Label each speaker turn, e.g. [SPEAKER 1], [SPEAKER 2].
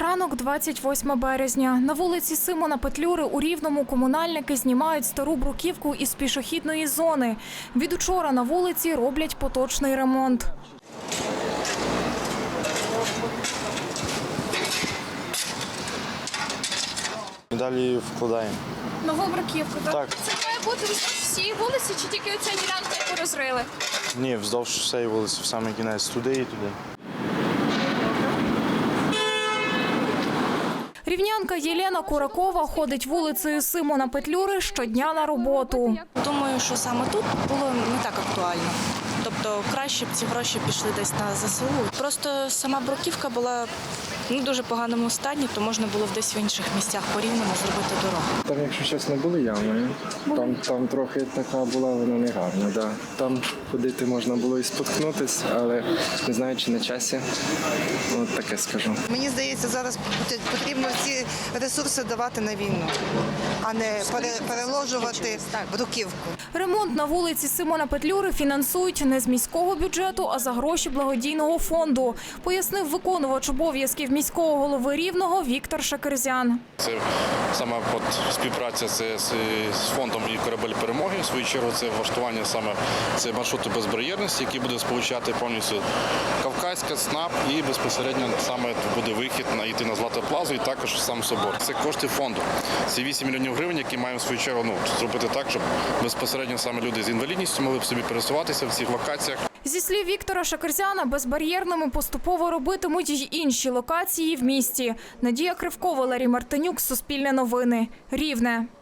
[SPEAKER 1] Ранок 28 березня. На вулиці Симона Петлюри у Рівному комунальники знімають стару бруківку із пішохідної зони. Від учора на вулиці роблять поточний ремонт.
[SPEAKER 2] Далі вкладаємо.
[SPEAKER 1] Нову бруківку, так?
[SPEAKER 2] Так.
[SPEAKER 1] Це має бути всі вулиці чи тільки оця ділянка, яку розрили?
[SPEAKER 2] Ні, вздовж всієї вулиці, в самий кінець, туди і туди.
[SPEAKER 1] Рівнянка Єлена Куракова ходить вулицею Симона Петлюри щодня на роботу.
[SPEAKER 3] Думаю, що саме тут було не так актуально. Тобто краще б ці гроші пішли десь на ЗСУ. Просто сама бруківка була в дуже поганому стані, то можна було б десь в інших місцях по-рівному зробити дорогу.
[SPEAKER 4] Там, якщо чесно, були ями. Там трохи така була, вона не гарна. Да. Там ходити можна було і споткнутися, але не знаю, чи на часі. От таке скажу.
[SPEAKER 5] Мені здається, зараз потрібно ці ресурси давати на війну, а не переложувати бруківку.
[SPEAKER 1] Ремонт на вулиці Симона Петлюри фінансують не з міського бюджету, а за гроші благодійного фонду, пояснив виконувач обов'язків міського голови Рівного Віктор Шакерзян.
[SPEAKER 6] Це саме співпраця з фондом «Корабель перемоги». В свою чергу це влаштування саме це маршруту безбар'єрності, який буде сполучати повністю Кавказька, СНАП і безпосередньо саме буде вихід йти на Злату Плазу і також сам собор. Це кошти фонду. Це 8 мільйонів гривень, які маємо в свою чергу зробити так, щоб безпосередньо саме люди з інвалідністю могли б собі пересуватися в цих локаціях.
[SPEAKER 1] Зі слів Віктора Шакерзяна, безбар'єрними поступово робитимуть й інші локації в місті. Надія Кривко, Валерій Мартинюк, Суспільне новини, Рівне.